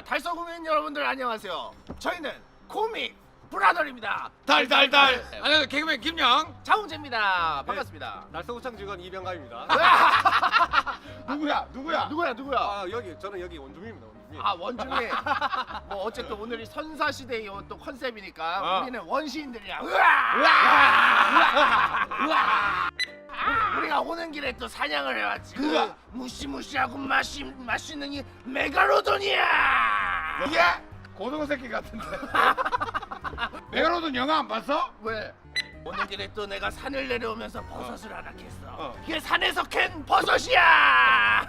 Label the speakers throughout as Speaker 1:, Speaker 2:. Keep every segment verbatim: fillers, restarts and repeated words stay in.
Speaker 1: 달서 구민 여러분들 안녕하세요. 저희는 코믹 브라더입니다.
Speaker 2: 달달달. 안녕하세요. 개그맨 김영.
Speaker 1: 장훈재입니다. 반갑습니다.
Speaker 3: 날서구청 직원 이병갑입니다.
Speaker 2: 누구야? 누구야?
Speaker 1: 누구야 누구야?
Speaker 3: 아 여기 저는 여기 원주민입니다. 원주민.
Speaker 1: 아 원중에 뭐 어쨌든 오늘이 선사시대의 또 컨셉이니까
Speaker 2: 어.
Speaker 1: 우리는 원시인들이야. 으아! 으아! 으아! 아, 우리가 오는 길에 또 사냥을 해왔지. 그
Speaker 2: 으아!
Speaker 1: 무시무시하고 맛있 맛있는 이 메가로돈이야.
Speaker 2: 이게 고등어 새끼 같은데. 메가로돈 영화 안 봤어?
Speaker 1: 왜? 오는 길에 또 내가 산을 내려오면서 버섯을 하나 캤어.
Speaker 2: 어.
Speaker 1: 이게 산에서 캔 버섯이야.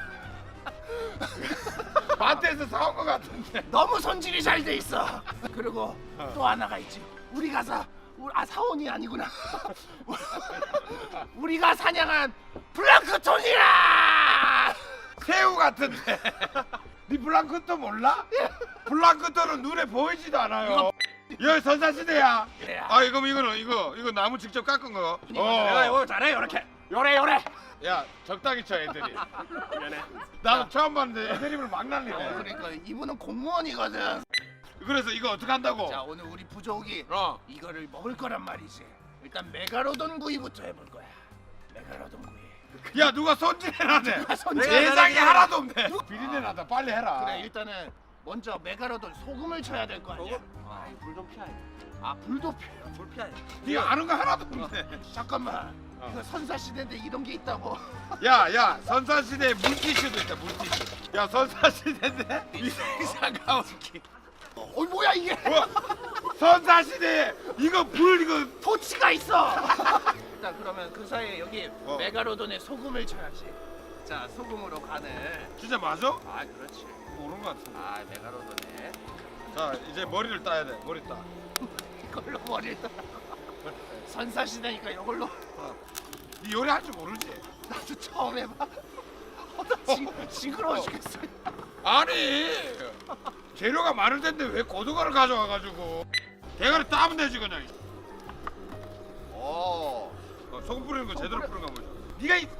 Speaker 2: 마트에서 사온 거 같은데.
Speaker 1: 너무 손질이 잘 돼 있어. 그리고
Speaker 2: 어.
Speaker 1: 또 하나가 있지. 우리가 사, 우리, 아 사원이 아니구나. 우리가 사냥한 플랑크톤이야.
Speaker 2: 새우 같은데. 니 플랑크톤 몰라? 플랑크톤은 눈에 보이지도 않아요. 여기 선사시대야.
Speaker 1: 그래야.
Speaker 2: 아 이거 이거는 이거 이거 나무 직접 깎은 거.
Speaker 1: 내가 이거 잘해 이렇게. 요래 요래.
Speaker 2: 야 적당히 쳐 애들이.
Speaker 3: 미안해.
Speaker 2: 나도 처음 봤는데 애드립을 막
Speaker 1: 어,
Speaker 2: 날리네.
Speaker 1: 그러니까 이분은 공무원이거든.
Speaker 2: 그래서 이거 어떻게 한다고?
Speaker 1: 자 오늘 우리 부족이
Speaker 2: 어.
Speaker 1: 이거를 먹을 거란 말이지. 일단 메가로돈 구이부터 해볼 거야. 메가로돈 구이.
Speaker 2: 야 누가 손질해놨네.
Speaker 1: 손질.
Speaker 2: 세상에 하나도 없네. 비린내 나다. 빨리 해라.
Speaker 1: 그래 일단은 먼저 메가로돈 소금을 쳐야 될 거 아니야.
Speaker 3: 아, 불좀 피하해.
Speaker 1: 아 불도 피.
Speaker 3: 불 피하해.
Speaker 2: 네 아는 거 하나도 없네.
Speaker 1: 잠깐만.
Speaker 2: 어.
Speaker 1: 이거 선사 시대인데 이런 게 있다고.
Speaker 2: 야야 선사시대 물티슈도 있다. 물티슈. 야 선사시대인데 이상한 키.
Speaker 1: 어 뭐야 이게?
Speaker 2: 뭐? 선사시대에 이거 불 이거
Speaker 1: 토치가 있어. 일단 그러면 그 사이에 여기
Speaker 2: 어.
Speaker 1: 메가로돈에 소금을 쳐야지. 자 소금으로 간을.
Speaker 2: 진짜 맞아?
Speaker 1: 아 그렇지.
Speaker 2: 모르는 거 같은데.
Speaker 1: 아 메가로돈에
Speaker 2: 자 이제 머리를 따야 돼. 머리 따.
Speaker 1: 이걸로 머리를 따. 선사 시대니까 이걸로.
Speaker 2: 네 요리할 줄 모르지?
Speaker 1: 나도 처음 해봐. 어, 나 징, 징그러워 죽겠어.
Speaker 2: 아니 재료가 많을 텐데 왜 고등어를 가져와가지고 대가리 따면 되지 그냥.
Speaker 1: 오.
Speaker 2: 어, 소금 뿌리는 거 제대로 뿌리는 거 보자. 네가 이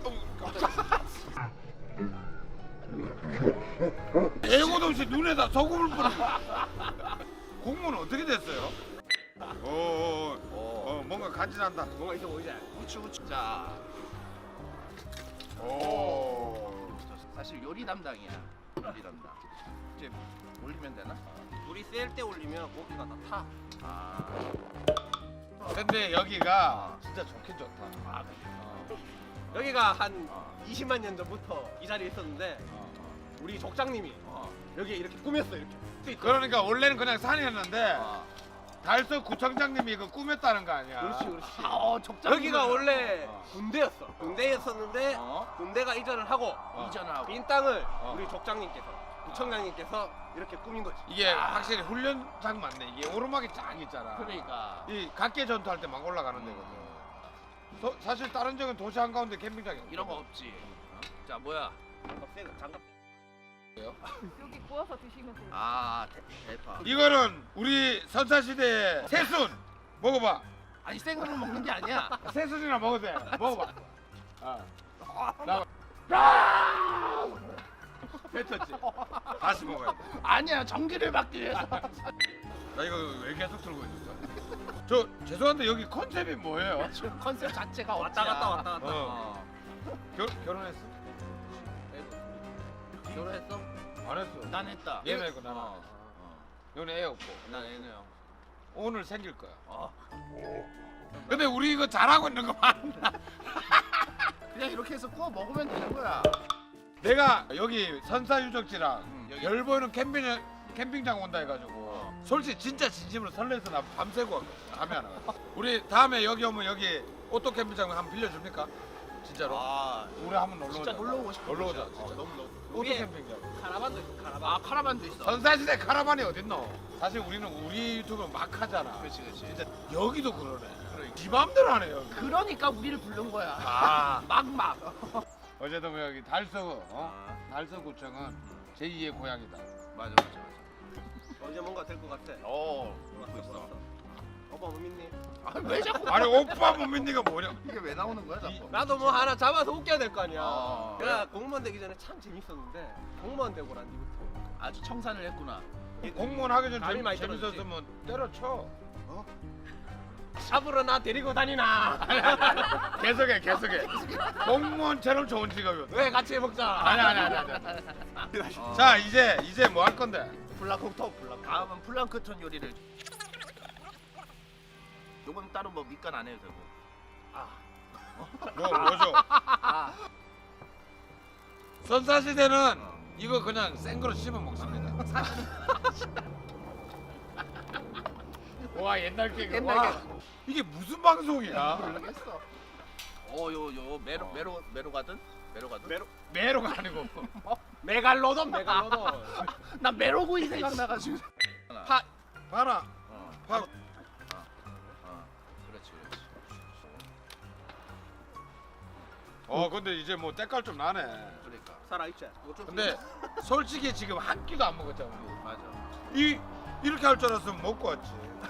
Speaker 2: 애고도 없이 눈에다 소금을 뿌려. 공무는 어떻게 됐어요? 오, 오, 오. 어, 뭔가 간지난다.
Speaker 3: 뭔가 있어 보이지?
Speaker 1: 우추 우추. 자
Speaker 2: 오.
Speaker 1: 사실 요리 담당이야. 요리 담당. 이제 올리면 되나?
Speaker 3: 불이 셀 때 올리면 고기가 다 타.
Speaker 1: 아.
Speaker 2: 근데 여기가 진짜 좋긴 좋다.
Speaker 1: 아 그래.
Speaker 3: 여기가 한 이십만 년 전부터 이 자리에 있었는데
Speaker 2: 어.
Speaker 3: 우리 족장님이
Speaker 1: 어.
Speaker 3: 여기 이렇게 꾸몄어 이렇게.
Speaker 2: 그러니까 원래는 그냥 산이었는데
Speaker 1: 어.
Speaker 2: 달서 구청장님이 이거 꾸몄다는 거 아니야?
Speaker 3: 그렇지 그렇지.
Speaker 1: 아, 어, 적장.
Speaker 3: 여기가 원래
Speaker 2: 어.
Speaker 3: 군대였어. 군대였었는데
Speaker 1: 어?
Speaker 3: 군대가 이전을 하고
Speaker 2: 어.
Speaker 1: 이전하고.
Speaker 3: 빈 땅을
Speaker 2: 어.
Speaker 3: 우리 족장님께서 구청장님께서 이렇게 꾸민 거지.
Speaker 2: 이게
Speaker 1: 아.
Speaker 2: 확실히 훈련장 맞네. 이게 오르막이 쫙 있잖아.
Speaker 1: 그러니까.
Speaker 2: 이 각계 전투할 때 막 올라가는 데거든. 소- 사실 다른 적은 도시 한가운데 캠핑장이
Speaker 1: 이런 거 없지. 자 뭐야?
Speaker 3: 장갑 세 장갑.
Speaker 4: 여기 구워서 드시면 돼요.
Speaker 1: 아 대, 대파.
Speaker 2: 이거는 우리 선사시대의 새순 먹어봐.
Speaker 1: 아니 생으로 먹는 게 아니야.
Speaker 2: 새순이나 먹어도 돼. 먹어봐. 아. 나 뱉었지. 다시 먹어야 돼.
Speaker 1: 아니야 전기를 받기 위해서.
Speaker 2: 나 이거 왜 계속 들고 있었어? 저 죄송한데 여기 컨셉이 뭐예요?
Speaker 1: 지금 컨셉 자체가
Speaker 3: 왔다
Speaker 1: 어찌야.
Speaker 3: 갔다 왔다 갔다.
Speaker 2: 어. 결 결혼했어?
Speaker 1: 결혼했어?
Speaker 2: 안 했어.
Speaker 1: 난 했다.
Speaker 2: 얘는 했고 나는.
Speaker 1: 어.
Speaker 2: 너는 애 없고.
Speaker 1: 난 애네요.
Speaker 2: 오늘 생길 거야.
Speaker 1: 어.
Speaker 2: 근데 우리 이거 잘하고 있는 거 맞나?
Speaker 1: 그냥 이렇게 해서 구워 먹으면 되는 거야.
Speaker 2: 내가 여기 선사 유적지랑
Speaker 1: 음, 여기-
Speaker 2: 별 보이는 캠핑 캠핑장 온다 해가지고
Speaker 1: 어.
Speaker 2: 솔직히 진짜 진심으로 설레서 나 밤새고 왔거든. 잠이 안 와. 우리 다음에 여기 오면 여기 오토 캠핑장 한번 빌려줍니까? 진짜로?
Speaker 1: 아
Speaker 2: 우리 한번 놀러 오자.
Speaker 1: 진짜 놀러 오고 싶어.
Speaker 2: 놀러 오자.
Speaker 1: 진짜.
Speaker 2: 진짜.
Speaker 1: 어, 너무 놀.
Speaker 2: 오토
Speaker 3: 위에
Speaker 2: 캠핑장.
Speaker 3: 카라반도 있어 카라반.
Speaker 1: 아 카라반도 있어.
Speaker 2: 선사시대 카라반이 어딨노? 사실 우리는 우리 유튜브 막 하잖아.
Speaker 1: 그렇지 그렇지.
Speaker 2: 진짜 여기도 그러네. 지 맘대로 하네 여기.
Speaker 1: 그러니까 우리를 부른 거야.
Speaker 2: 아.
Speaker 1: 막막.
Speaker 2: 어제도 뭐 여기 달서 어?
Speaker 1: 아.
Speaker 2: 달서구청은 제이의 고향이다.
Speaker 1: 맞아 맞아 맞아.
Speaker 3: 언제 뭔가 될 것 같아.
Speaker 1: 어.
Speaker 3: 왔어
Speaker 1: 듣고 있어.
Speaker 3: 왔어. 오빠 못 믿니?
Speaker 1: 아왜 자꾸
Speaker 2: 아니 오빠 못 믿니가 뭐냐?
Speaker 1: 이게 왜 나오는 거야 자꾸?
Speaker 3: 나도 뭐 하나 잡아서 웃겨야 될 거 아니야.
Speaker 1: 어.
Speaker 3: 내가 공무원 되기 전에 참 재밌었는데 공무원 되고 난 뒤부터
Speaker 1: 아주 청산을 했구나.
Speaker 2: 공무원 하기 전
Speaker 3: 감이
Speaker 2: 재미,
Speaker 3: 많이
Speaker 2: 재밌었으면 때려쳐.
Speaker 3: 잡으러 나 데리고 다니나.
Speaker 2: 계속해 계속해. 공무원처럼 좋은 직업이었.
Speaker 3: 왜 같이 해먹자.
Speaker 2: 아니 아니 아니 아니.
Speaker 1: 어.
Speaker 2: 자 이제 이제 뭐 할 건데?
Speaker 3: 블락부터 블락.
Speaker 1: 다음은 플랑크톤 요리를. 요건 따로 뭐 밑간 안 해도 되고.
Speaker 2: 뭐 뭐죠?
Speaker 1: 아,
Speaker 2: 선사 시대는 이거 그냥 생거로 씹어 먹습니다. 와 옛날 개그.
Speaker 1: 옛날
Speaker 2: 와,
Speaker 1: 개그.
Speaker 2: 이게 무슨 방송이야?
Speaker 1: 모르겠어. 어요요 메로 메로 메로 가든 메로 가든.
Speaker 3: 메로.
Speaker 2: 메로가 아니고.
Speaker 3: 메갈로돈 메갈로돈.
Speaker 1: 나 메로구이 생각나가지고.
Speaker 3: 파.
Speaker 2: 봐라.
Speaker 1: 어,
Speaker 2: 파.
Speaker 1: 어, 어, 그렇지 그렇지.
Speaker 2: 어 근데 이제 뭐 때깔 좀 나네.
Speaker 1: 그러니까.
Speaker 3: 살아있지. 이거 좀
Speaker 2: 근데 솔직히 지금 한 끼도 안 먹었잖아 우리.
Speaker 1: 맞아.
Speaker 2: 이 이렇게 할 줄 알았으면 먹고 왔지.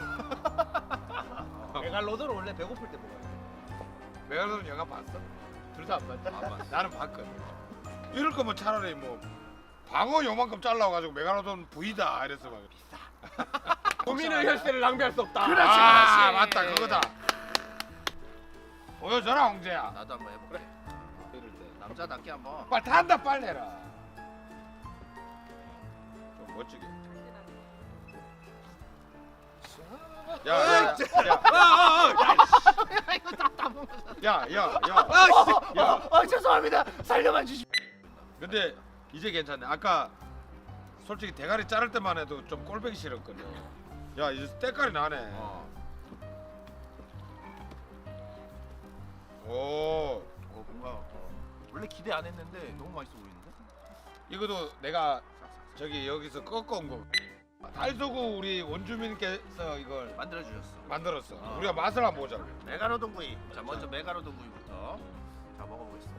Speaker 3: 메갈로돈은 원래 배고플 때 먹어야 돼.
Speaker 2: 메갈로돈 영화 봤어? 둘 다 안 봤다?
Speaker 1: 안 봤어.
Speaker 2: 나는 봤거든. 이럴 거면 차라리 뭐 방어 요만큼 잘라가지고 메갈로돈 부위다 이랬어 막.
Speaker 3: 국민의 혈세를 낭비할 수 없다.
Speaker 1: 그렇지,
Speaker 2: 아
Speaker 1: 그렇지.
Speaker 2: 맞다 그거다. 보여줘라 홍재야.
Speaker 1: 나도 한번 해볼게.
Speaker 2: 이럴 때.
Speaker 1: 남자답게 한번.
Speaker 2: 빨리 탄다 빨리 해라. 좀 멋지게. 야야야.
Speaker 1: 이거 다다 먹었어.
Speaker 2: 야야야.
Speaker 1: 아, 아, 죄송합니다. 살려만 주시.
Speaker 2: 근데 이제 괜찮네. 아까 솔직히 대가리 자를 때만 해도 좀 꼴보기 싫었거든. 야 이제 때깔이 나네.
Speaker 1: 어.
Speaker 2: 오
Speaker 1: 어 뭔가 어. 원래 기대 안 했는데 너무 맛있어 보이는데?
Speaker 2: 이것도 내가 저기 여기서 꺾어온 거. 달서구 우리 원주민께서 이걸
Speaker 1: 만들어 주셨어.
Speaker 2: 만들었어.
Speaker 1: 어.
Speaker 2: 우리가 맛을 한번 보자.
Speaker 1: 메가로돈 구이. 자 먼저 메가로돈 구이부터. 자 먹어보겠습니다.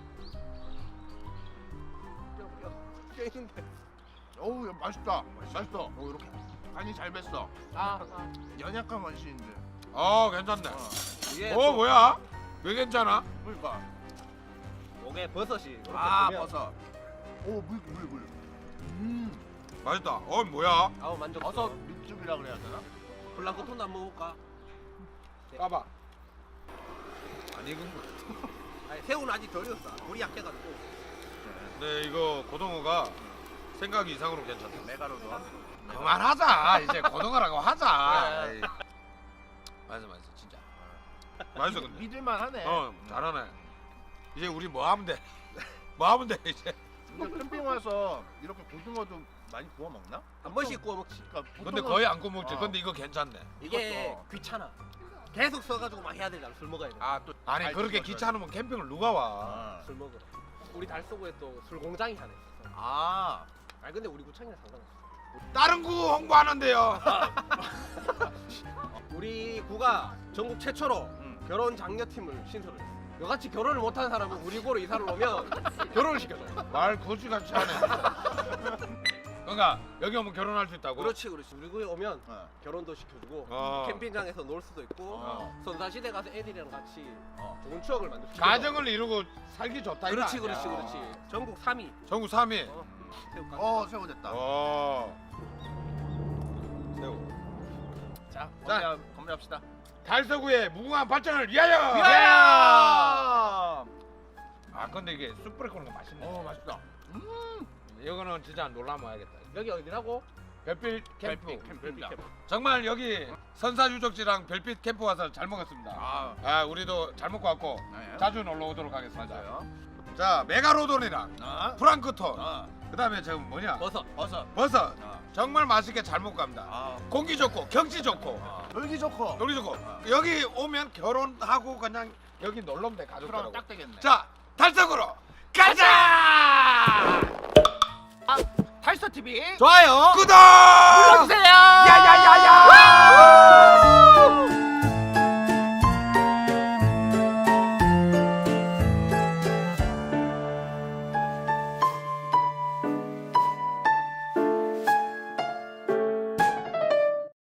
Speaker 3: 껴있는데.
Speaker 1: 어우 야, 맛있다. 맛있어. 어 이렇게 간이 잘 뱄어.
Speaker 3: 아.
Speaker 1: 연약한 맛인데.
Speaker 2: 어 괜찮네.
Speaker 1: 어.
Speaker 3: 이게
Speaker 2: 어 뭐야? 왜 괜찮아?
Speaker 1: 그러니까.
Speaker 3: 목에 버섯이. 이렇게
Speaker 1: 아
Speaker 3: 보면
Speaker 1: 버섯. 오물 물 물. 음.
Speaker 2: 맛있다. 어 뭐야?
Speaker 3: 아우 만족.
Speaker 1: 버섯 육즙이라 그래야 되나?
Speaker 3: 블랑크톤도 안 먹을까?
Speaker 2: 까봐. 안 익은 거.
Speaker 3: 아니 새우는 아직 덜 익었어. 물이 약해가지고.
Speaker 2: 네 이거 고등어가 생각 이상으로 괜찮다.
Speaker 1: 메가로돈.
Speaker 2: 그만하자. 이제 고등어라고 하자.
Speaker 1: 그래.
Speaker 2: 에이. 맛있어 맛있어 진짜. 맛있어 근데.
Speaker 1: 믿을만 하네.
Speaker 2: 어 잘하네. 이제 우리 뭐 하면 돼? 뭐 하면 돼 이제?
Speaker 1: 근데 캠핑 와서 이렇게 고등어도 많이 구워 먹나?
Speaker 3: 한 번씩 구워 먹지.
Speaker 1: 그러니까
Speaker 2: 근데
Speaker 1: 보통은-
Speaker 2: 거의 안 구먹지.
Speaker 1: 어.
Speaker 2: 근데 이거 괜찮네.
Speaker 3: 이게
Speaker 1: 이것도.
Speaker 3: 귀찮아. 계속 써가지고 막 해야 되잖아. 술 먹어야 돼.
Speaker 1: 아또
Speaker 2: 아니 그렇게 귀찮으면 캠핑을 누가 와?
Speaker 1: 아.
Speaker 3: 술 먹으러. 우리 달서구에 또 술 공장이 하나 있었어.
Speaker 1: 아.
Speaker 3: 아니 근데 우리 구청이랑 상관없어.
Speaker 2: 다른 구 홍보하는데요.
Speaker 3: 우리 구가 전국 최초로
Speaker 1: 음.
Speaker 3: 결혼 장려팀을 신설을 했어. 너같이 결혼을 못하는 사람은 우리 구로 이사를 오면 결혼을 시켜줘.
Speaker 2: 말 거지같이 하네. 그러니까 여기 오면 결혼할 수 있다고?
Speaker 3: 그렇지 그렇지. 우리 구에 오면
Speaker 1: 어.
Speaker 3: 결혼도 시켜주고
Speaker 2: 어.
Speaker 3: 캠핑장에서 놀 수도 있고
Speaker 1: 어.
Speaker 3: 선사시대 가서 애들이랑 같이
Speaker 1: 어.
Speaker 3: 좋은 추억을 만들 수 있어.
Speaker 2: 가정을 이루고 살기 좋다.
Speaker 3: 그렇지
Speaker 2: 이거
Speaker 3: 그렇지
Speaker 2: 아니야.
Speaker 3: 그렇지. 전국 삼 위.
Speaker 2: 전국 삼 위.
Speaker 3: 어. 새우깡.
Speaker 1: 어 새우 됐다.
Speaker 2: 어. 새우.
Speaker 1: 자
Speaker 2: 자.
Speaker 1: 건배 건배합시다.
Speaker 2: 달서구의 무궁한 발전을 위하여.
Speaker 1: 위하여!
Speaker 2: 아 근데 이게 쑥 뿌려 먹는 거 맛있네.
Speaker 1: 어 맛있다.
Speaker 2: 이거는 진짜 놀라 먹어야겠다.
Speaker 3: 여기 어디라고?
Speaker 2: 별빛 캠프.
Speaker 1: 별빛 캠프입니다.
Speaker 2: 정말 여기 선사 유적지랑 별빛 캠프 와서 잘 먹었습니다.
Speaker 1: 아.
Speaker 2: 아 우리도 잘 먹고 왔고
Speaker 1: 네.
Speaker 2: 자주 놀러 오도록 하겠습니다.
Speaker 1: 맞아요.
Speaker 2: 자 메가로돈이랑
Speaker 1: 아.
Speaker 2: 프랑크톤.
Speaker 1: 아.
Speaker 2: 그다음에 지금 뭐냐?
Speaker 3: 버섯.
Speaker 1: 버섯.
Speaker 2: 버섯.
Speaker 1: 아.
Speaker 2: 정말 맛있게 잘 먹고 갑니다.
Speaker 1: 아.
Speaker 2: 공기 좋고 경치 좋고
Speaker 1: 아. 놀기 좋고.
Speaker 2: 놀기 좋고
Speaker 1: 아.
Speaker 2: 여기 오면 결혼하고 그냥 여기 놀러 오면 돼
Speaker 1: 그럼
Speaker 2: 가족들하고.
Speaker 1: 딱 되겠네.
Speaker 2: 자 달성으로 가자.
Speaker 1: 달서 티비
Speaker 2: 좋아요 구독
Speaker 1: 눌러주세요.
Speaker 2: 야